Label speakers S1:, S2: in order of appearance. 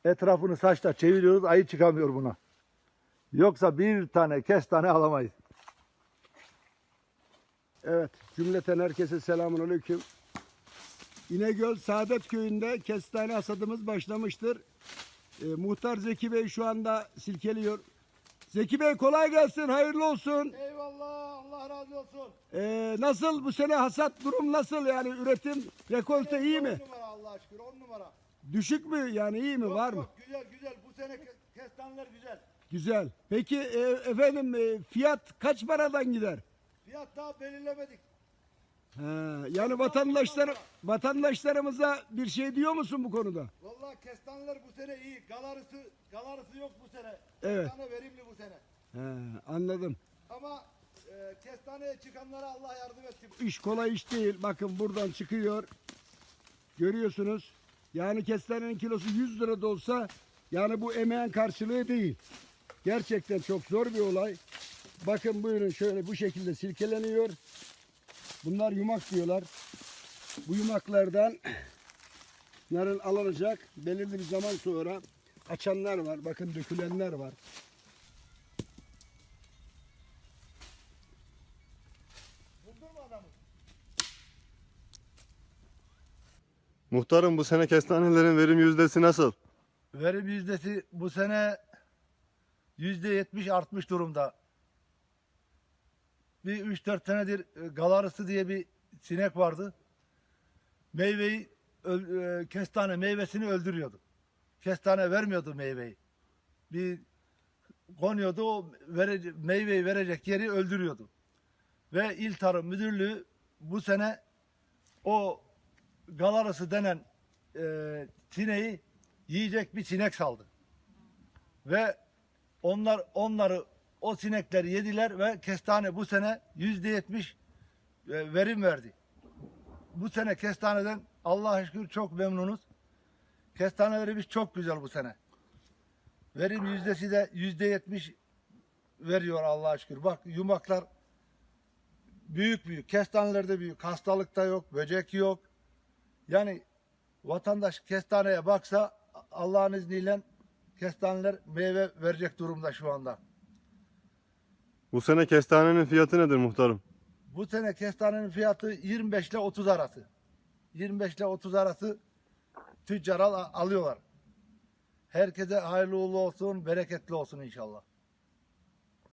S1: etrafını saçla çeviriyoruz, ayı çıkamıyor buna. Yoksa bir tane kestane alamayız.
S2: Evet, cümleten herkese selamünaleyküm. İnegöl Saadet Köyü'nde kestane hasadımız başlamıştır. Muhtar Zeki Bey şu anda silkeliyor. Zeki Bey kolay gelsin, hayırlı olsun.
S1: Eyvallah, Allah razı olsun.
S2: Nasıl bu sene hasat durum nasıl yani üretim, rekolte iyi mi?
S1: 10 numara Allah'a şükür, 10 numara.
S2: Düşük mü yani iyi mi var mı?
S1: Yok, güzel güzel, bu sene kestaneler güzel.
S2: Güzel. Peki efendim fiyat kaç paradan gider?
S1: Fiyat daha belirlemedik.
S2: Yani vatandaşlarımıza bir şey diyor musun bu konuda?
S1: Vallahi kestaneler bu sene iyi. Galarısı yok bu sene.
S2: Evet.
S1: Kestane verimli bu sene.
S2: Anladım.
S1: Ama kestaneye çıkanlara Allah yardım etsin.
S2: İş kolay iş değil. Bakın buradan çıkıyor. Görüyorsunuz. Yani kestanenin kilosu 100 lira da olsa yani bu emeğin karşılığı değil. Gerçekten çok zor bir olay. Bakın buyurun şöyle bu şekilde silkeleniyor. Bunlar yumak diyorlar. Bu yumaklardan narın alınacak. Belirli bir zaman sonra açanlar var. Bakın dökülenler var.
S1: Buldun mu adamı?
S3: Muhtarım bu sene kestanelerin verim yüzdesi nasıl?
S1: Verim yüzdesi bu sene %70 artmış durumda. Bir 3-4 senedir galarısı diye bir sinek vardı. Kestane meyvesini öldürüyordu. Kestane vermiyordu meyveyi. Bir konuyordu, o meyveyi verecek yeri öldürüyordu. Ve İl Tarım Müdürlüğü bu sene o galarısı denen sineği yiyecek bir sinek saldı. Ve onları o sinekleri yediler ve kestane bu sene %70 verim verdi. Bu sene kestaneden Allah'a şükür çok memnunuz. Kestanelerimiz çok güzel bu sene. Verim yüzdesi de %70 veriyor Allah'a şükür. Bak yumaklar büyük. Kestanelerde büyük. Hastalık da yok, böcek yok. Yani vatandaş kestaneye baksa Allah'ın izniyle kestaneler meyve verecek durumda şu anda.
S3: Bu sene kestanenin fiyatı nedir muhtarım?
S1: Bu sene kestanenin fiyatı 25 ile 30 arası. 25 ile 30 arası tüccar alıyorlar. Herkese hayırlı uğurlu olsun, bereketli olsun inşallah.